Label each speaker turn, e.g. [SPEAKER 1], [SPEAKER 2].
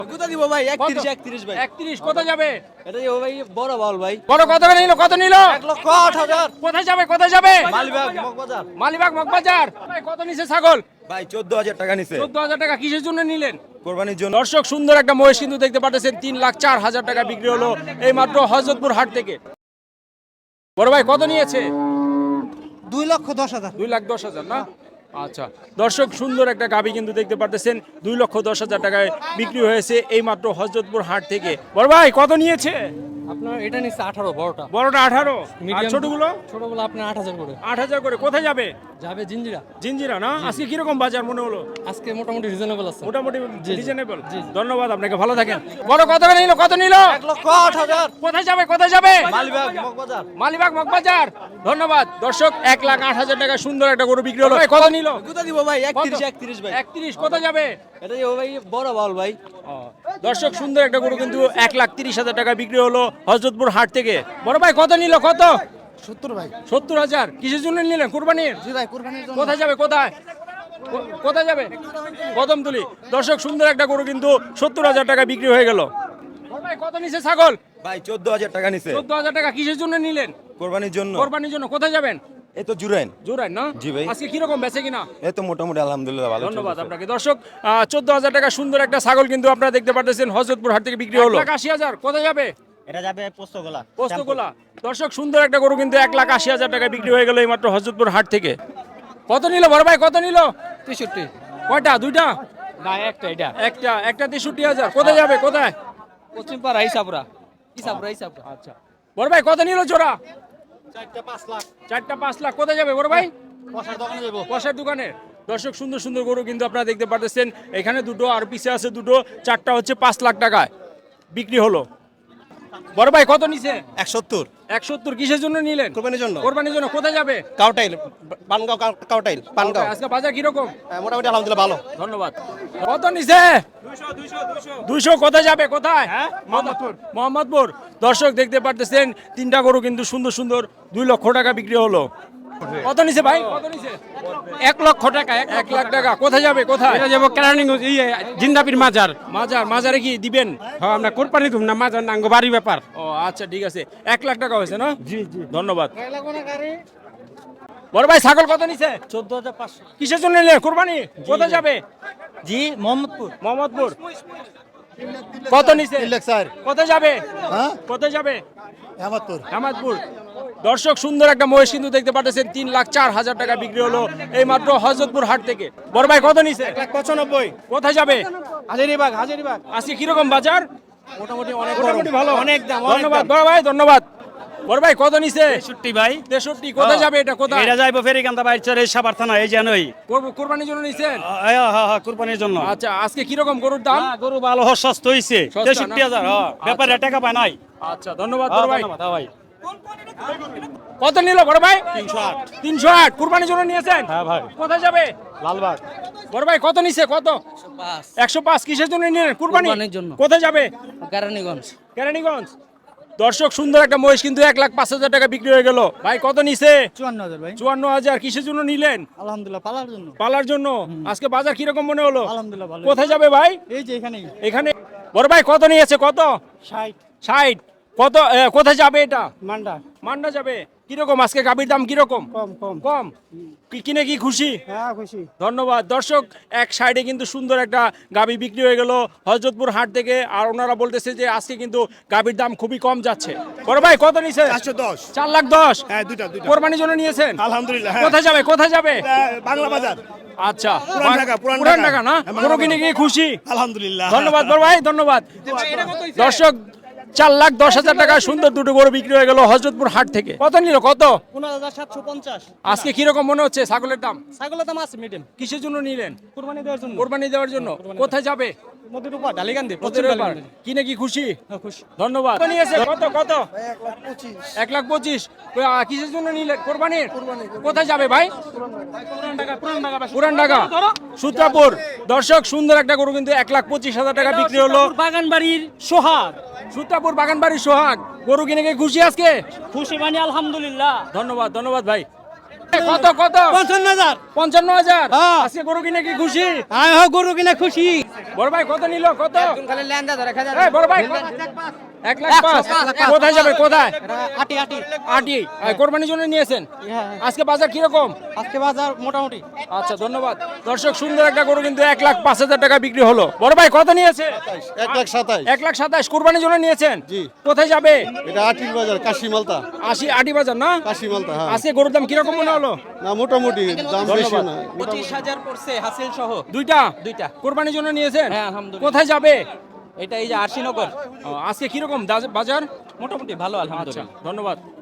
[SPEAKER 1] কত দিব ভাই? 31 31 ভাই।
[SPEAKER 2] 31 কত যাবে?
[SPEAKER 1] এটা দিব ভাই বড় বল ভাই।
[SPEAKER 2] বড় কত নিল? কত নিল?
[SPEAKER 1] 1,08,000।
[SPEAKER 2] কোথায় যাবে? কোথায় যাবে?
[SPEAKER 1] মালিবাগ মগবাজার।
[SPEAKER 2] মালিবাগ মগবাজার। ভাই কত নিছে ছাগল?
[SPEAKER 1] ভাই 14,000 টাকা নিছে
[SPEAKER 2] 14,000 টাকা। কিসের জন্য নিলেন?
[SPEAKER 1] কোরবানির জন্য।
[SPEAKER 2] দর্শক সুন্দর একটা মহিষ কিন্তু দেখতে পাচ্ছেন 3,04,000 টাকা বিক্রি হলো এই মাত্র হযরতপুর হাট থেকে। বড় ভাই কত নিয়েছে?
[SPEAKER 3] 2,10,000।
[SPEAKER 2] 2,10,000 না? আচ্ছা দর্শক সুন্দর একটা গাভী কিন্তু দেখতে পাচ্ছেন 2,10,000 টাকায় বিক্রি হয়েছে এই মাত্র হযরতপুর হাট থেকে। বড় ভাই কত নিয়েছে?
[SPEAKER 3] আপনার এটা নিচ্ছে 18 বড়টা।
[SPEAKER 2] বড়টা 18 আর
[SPEAKER 3] Medium-
[SPEAKER 2] ছোটগুলো
[SPEAKER 3] ছোটগুলো আপনার 8,000 করে।
[SPEAKER 2] 8,000 করে। কোথায় যাবে?
[SPEAKER 3] যাবে জিঞ্জিরা।
[SPEAKER 2] জিঞ্জিরা না? আজকে কিরকম বাজার মনে হলো?
[SPEAKER 3] আজকে মোটামুটি রিজনেবল আছে।
[SPEAKER 2] মোটামুটি
[SPEAKER 3] জি।
[SPEAKER 2] রিজনেবল।
[SPEAKER 3] জি, জি।
[SPEAKER 2] ধন্যবাদ আপনাকে, ভালো থাকেন। বড় কত নিল? কত নিল?
[SPEAKER 1] 1,08,000।
[SPEAKER 2] কোথায় যাবে? কোথায় যাবে?
[SPEAKER 1] মালিবাগ মগবাজার।
[SPEAKER 2] মালিবাগ মগবাজার। ধন্যবাদ দর্শক। 1,08,000 টাকা সুন্দর একটা গরু বিক্রি হলো। ভাই, কত নিল?
[SPEAKER 1] কত দিব ভাই?
[SPEAKER 2] কত?
[SPEAKER 1] 31 ভাই।
[SPEAKER 2] 31 কত যাবে?
[SPEAKER 1] এটা দিব ভাই বড় বল ভাই।
[SPEAKER 2] দর্শক সুন্দর একটা গরু কিন্তু 1,30,000 টাকা বিক্রি হলো হযরতপুর হাট থেকে। বড় ভাই কত নিল? কত?
[SPEAKER 3] 70 ভাই।
[SPEAKER 2] 70,000। কিসের জন্য নিলেন? কুরবানির?
[SPEAKER 3] জি ভাই কুরবানির জন্য।
[SPEAKER 2] কোথায় যাবে? কোথায় কোথায় যাবে? কদমতলি। দর্শক সুন্দর একটা গরু কিন্তু 70,000 টাকা বিক্রি হয়ে গেল। বড় ভাই কত নিছে ছাগল?
[SPEAKER 1] ভাই 14,000 টাকা নিছে
[SPEAKER 2] 14,000 টাকা। কিসের জন্য নিলেন?
[SPEAKER 1] কোরবানির জন্য।
[SPEAKER 2] কোরবানির জন্য। কোথায় যাবেন?
[SPEAKER 1] এই তো জুরাইন।
[SPEAKER 2] জোরাই না?
[SPEAKER 1] জি ভাই।
[SPEAKER 2] আজকে কিরকম বেচে কিনা?
[SPEAKER 1] এই তো মোটামুটি আলহামদুলিল্লাহ ভালো
[SPEAKER 2] ধন্যবাদ
[SPEAKER 1] চলতেছে।
[SPEAKER 2] আপনাকে। দর্শক 14,000 টাকা সুন্দর একটা ছাগল কিন্তু আপনারা দেখতে পাচ্ছেন হযরতপুর হাট থেকে বিক্রি হলো। 1,80,000 কোথায় যাবে?
[SPEAKER 4] এটা যাবে পোস্তগোলা
[SPEAKER 2] পোস্তগোলা। দর্শক সুন্দর একটা গরু কিন্তু 1,80,000 টাকা বিক্রি হয়ে গেল এই মাত্র হযরতপুর হাট থেকে। কত নিল বড় ভাই? কত নিল?
[SPEAKER 3] 63।
[SPEAKER 2] কয়টা? দুইটা?
[SPEAKER 3] না একটা এটা।
[SPEAKER 2] একটা 63,000। কোথায় যাবে? কোথায়?
[SPEAKER 3] পশ্চিম পাড়া ইসাপুরা। ইসাপুরা।
[SPEAKER 2] আচ্ছা বড় ভাই কত নিল জোড়া?
[SPEAKER 4] 4টা 5 লাখ
[SPEAKER 2] 4টা 5 লাখ। কোথায় যাবে বড় ভাই?
[SPEAKER 4] পয়সার দোকানে দেব
[SPEAKER 2] কষার দোকানে। দর্শক সুন্দর সুন্দর গরু কিন্তু আপনারা দেখতে পাচ্ছেন এখানে দুটো আর পিছে আছে দুটো। 4টা হচ্ছে 5 লাখ টাকায় বিক্রি হলো। বড় ভাই কত নিছে?
[SPEAKER 4] 170
[SPEAKER 2] 170। কিসের জন্য নিলেন?
[SPEAKER 4] কোরবানির জন্য
[SPEAKER 2] কোরবানির জন্য। কোথায় যাবে?
[SPEAKER 4] কাউটাইল পানগাঁও কাউটাইল পানগাঁও
[SPEAKER 2] আজকে বাজার কিরকম?
[SPEAKER 4] মোটামুটি আলহামদুলিল্লাহ ভালো
[SPEAKER 2] ধন্যবাদ। কত নিছে? 200 কোথায় যাবে? কোথায়? মোহাম্মদপুর। দর্শক দেখতে পারতেছেন তিনটা গরু কিন্তু সুন্দর সুন্দর 2 লক্ষ টাকা বিক্রি হলো। কত নিছে ভাই? কত নিছে?
[SPEAKER 3] 1 লক্ষ টাকা।
[SPEAKER 2] 1 লাখ টাকা। কোথায় যাবে? কোথায়?
[SPEAKER 3] এটা যাব কেরানীগঞ্জ জিন্দাপির মাজার।
[SPEAKER 2] মাজারে কি দিবেন?
[SPEAKER 3] হ্যাঁ আমরা কোরবানি দুম না মাজার নাঙ্গ বাড়ি ব্যাপার।
[SPEAKER 2] ও আচ্ছা ঠিক আছে। 1 লাখ টাকা হয়েছে না? জি জি ধন্যবাদ। বড় ভাই ছাগল কত নিছে?
[SPEAKER 4] 14,500
[SPEAKER 2] কিসের জন্য নিলেন? কুরবানি। কোথায় যাবে?
[SPEAKER 4] জি মোহাম্মদপুর
[SPEAKER 2] মোহাম্মদপুর। কত নিছে?
[SPEAKER 4] 3 লাখ 4
[SPEAKER 2] কোথায় যাবে?
[SPEAKER 4] হ্যাঁ
[SPEAKER 2] কোথায় যাবে?
[SPEAKER 4] মোহাম্মদপুর
[SPEAKER 2] হামাদপুর। দর্শক সুন্দর একটা মহিষ কিন্তু দেখতে পাচ্ছেন 3,04,000 টাকা বিক্রি হলো এই মাত্র হযরতপুর হাট থেকে। বড় ভাই কত নিছে?
[SPEAKER 4] 1,95
[SPEAKER 2] কোথায় যাবে?
[SPEAKER 4] হাজারিবাগ
[SPEAKER 2] আজকে কিরকম বাজার?
[SPEAKER 4] মোটামুটি অনেক
[SPEAKER 2] মোটামুটি ভালো।
[SPEAKER 4] অনেক দাম
[SPEAKER 2] ধন্যবাদ বড় ভাই, ধন্যবাদ। বড় ভাই কত নিছে?
[SPEAKER 4] 63 ভাই
[SPEAKER 2] 63। কোথায় যাবে এটা? কোথায়?
[SPEAKER 4] এটা যাইবো ফেরিকান্দা বাইচর এই সাভার থানা এই জানোই
[SPEAKER 2] কুরবানির জন্য নিছেন?
[SPEAKER 4] হ্যাঁ কুরবানির জন্য
[SPEAKER 2] আচ্ছা আজকে কিরকম গরুর দাম?
[SPEAKER 4] গরু ভালো সস্তা হইছে
[SPEAKER 2] সস্তা না?
[SPEAKER 4] 63,000 ব্যাপারে টাকা পায় নাই
[SPEAKER 2] আচ্ছা ধন্যবাদ বড় ভাই।
[SPEAKER 4] ধন্যবাদ ভাই
[SPEAKER 2] কত নিল বড় ভাই?
[SPEAKER 4] 308
[SPEAKER 2] 308। কুরবানির জন্য নিয়েছেন?
[SPEAKER 4] হ্যাঁ ভাই
[SPEAKER 2] কোথায় যাবে?
[SPEAKER 4] লালবাগ
[SPEAKER 2] বড় ভাই কত নিছে? কত? 105। কিসের জন্য নিলেন?
[SPEAKER 3] কুরবানির জন্য।
[SPEAKER 2] কোথায় যাবে?
[SPEAKER 3] কেরানীগঞ্জ।
[SPEAKER 2] কেরানীগঞ্জ। দর্শক সুন্দর একটা মহিষ কিন্তু 1,05,000 টাকা বিক্রি হয়ে গেল। ভাই কত নিছে?
[SPEAKER 3] 54,000 ভাই।
[SPEAKER 2] 54,000। কিসের জন্য নিলেন?
[SPEAKER 3] আলহামদুলিল্লাহ পালার জন্য।
[SPEAKER 2] পালার জন্য। আজকে বাজার কিরকম মনে হলো?
[SPEAKER 3] আলহামদুলিল্লাহ ভালো।
[SPEAKER 2] কোথায় যাবে ভাই?
[SPEAKER 3] এই যে এখানেই
[SPEAKER 2] এখানে। বড় ভাই কত নিয়েছে? কত?
[SPEAKER 3] 60
[SPEAKER 2] 60। কত কোথায় যাবে এটা?
[SPEAKER 3] মান্ডা।
[SPEAKER 2] মান্ডা যাবে। কিরকম আজকে গাভীর দাম কিরকম?
[SPEAKER 3] কম।
[SPEAKER 2] কম। কিনে কি খুশি?
[SPEAKER 3] হ্যাঁ খুশি।
[SPEAKER 2] ধন্যবাদ। দর্শক এক সাইডে কিন্তু সুন্দর একটা গাভী বিক্রি হয়ে গেল হযরতপুর হাট থেকে। আর ওনারা বলতেছে যে আজকে কিন্তু গাভীর দাম খুবই কম যাচ্ছে। বড় ভাই কত নিছে?
[SPEAKER 4] 410
[SPEAKER 2] 4,10,000।
[SPEAKER 4] হ্যাঁ দুইটা
[SPEAKER 2] কোরবানির জন্য নিয়েছেন?
[SPEAKER 4] আলহামদুলিল্লাহ
[SPEAKER 2] কোথায় যাবে? কোথায় যাবে?
[SPEAKER 4] বাংলা বাজার
[SPEAKER 2] আচ্ছা
[SPEAKER 4] পুরান ঢাকা, পুরান
[SPEAKER 2] পুরান
[SPEAKER 4] ঢাকা।
[SPEAKER 2] ঢাকা না? গরু কিনে গিয়ে খুশি?
[SPEAKER 4] আলহামদুলিল্লাহ
[SPEAKER 2] ধন্যবাদ বড় ভাই, ধন্যবাদ। দর্শক 4,10,000 টাকা সুন্দর দুটো গরু বিক্রি হয়ে গেল হযরতপুর হাট থেকে। কত নিল? কত?
[SPEAKER 3] 15,750।
[SPEAKER 2] আজকে কিরকম মনে হচ্ছে ছাগলের দাম?
[SPEAKER 3] ছাগলের দাম আছে মিডিয়াম।
[SPEAKER 2] কিসের জন্য নিলেন?
[SPEAKER 3] কুরবানি দেওয়ার জন্য।
[SPEAKER 2] কোরবানি দেওয়ার জন্য। কোথায় যাবে?
[SPEAKER 3] নদীর উপর ডালিগান্দি।
[SPEAKER 2] পথের ব্যাপার। কিনে কি খুশি?
[SPEAKER 3] খুশি।
[SPEAKER 2] ধন্যবাদ। কত নিয়েছে? কত? 1,25,000। কিসের জন্য নিলেন? কোরবানির। কোথায় যাবে ভাই? পুরান ঢাকা সূত্রাপুর। দর্শক সুন্দর একটা গরু কিন্তু 1,25,000 টাকা বিক্রি হলো।
[SPEAKER 3] বাগানবাড়ির সোহাগ।
[SPEAKER 2] সূত্রাপুর বাগানবাড়ির সোহাগ। গরু কিনে গিয়ে খুশি আজকে?
[SPEAKER 3] খুশি মানে আলহামদুলিল্লাহ।
[SPEAKER 2] ধন্যবাদ ভাই। কত কত
[SPEAKER 3] 55,000
[SPEAKER 2] 55,000
[SPEAKER 3] হ্যাঁ।
[SPEAKER 2] আজকে গরু কিনে কি খুশি?
[SPEAKER 3] আমি গরু কিনে খুশি।
[SPEAKER 2] বড় ভাই কত নিল কত?
[SPEAKER 3] খালি ল্যান্ডা ধরে খাজা।
[SPEAKER 2] এই বড় ভাই 1,05,000 কোথায় যাবে কোথায়?
[SPEAKER 3] আটি আটি।
[SPEAKER 2] আটি কোরবানির জন্য নিয়েছেন? আজকে বাজার কিরকম?
[SPEAKER 3] আজকে বাজার মোটামুটি।
[SPEAKER 2] আচ্ছা ধন্যবাদ দর্শক, সুন্দর একটা গরু কিন্তু 1,05,000 টাকা বিক্রি হলো। বড় ভাই কত নিয়েছে?
[SPEAKER 5] 1,27,000
[SPEAKER 2] 1,27,000 কোরবানির জন্য নিয়েছেন?
[SPEAKER 5] জি।
[SPEAKER 2] কোথায় যাবে?
[SPEAKER 5] এটা আটির বাজার কাশি মালতা
[SPEAKER 2] 80 আটি বাজার না?
[SPEAKER 5] কাশি মালতা হ্যাঁ
[SPEAKER 2] আজকে গরুর দাম কিরকম মনে হলো?
[SPEAKER 5] না মোটামুটি দাম বেশি না
[SPEAKER 3] 25,000 পড়ছে হাসিল সহ।
[SPEAKER 2] দুইটা
[SPEAKER 3] দুইটা।
[SPEAKER 2] কোরবানির জন্য নিয়েছেন?
[SPEAKER 3] হ্যাঁ, আলহামদুলিল্লাহ।
[SPEAKER 2] কোথায় যাবে?
[SPEAKER 3] এটা এই যে আরশিনগর।
[SPEAKER 2] আজকে কিরকম বাজার?
[SPEAKER 3] মোটামুটি ভালো
[SPEAKER 2] আচ্ছা
[SPEAKER 3] আলহামদুলিল্লাহ।
[SPEAKER 2] ধন্যবাদ।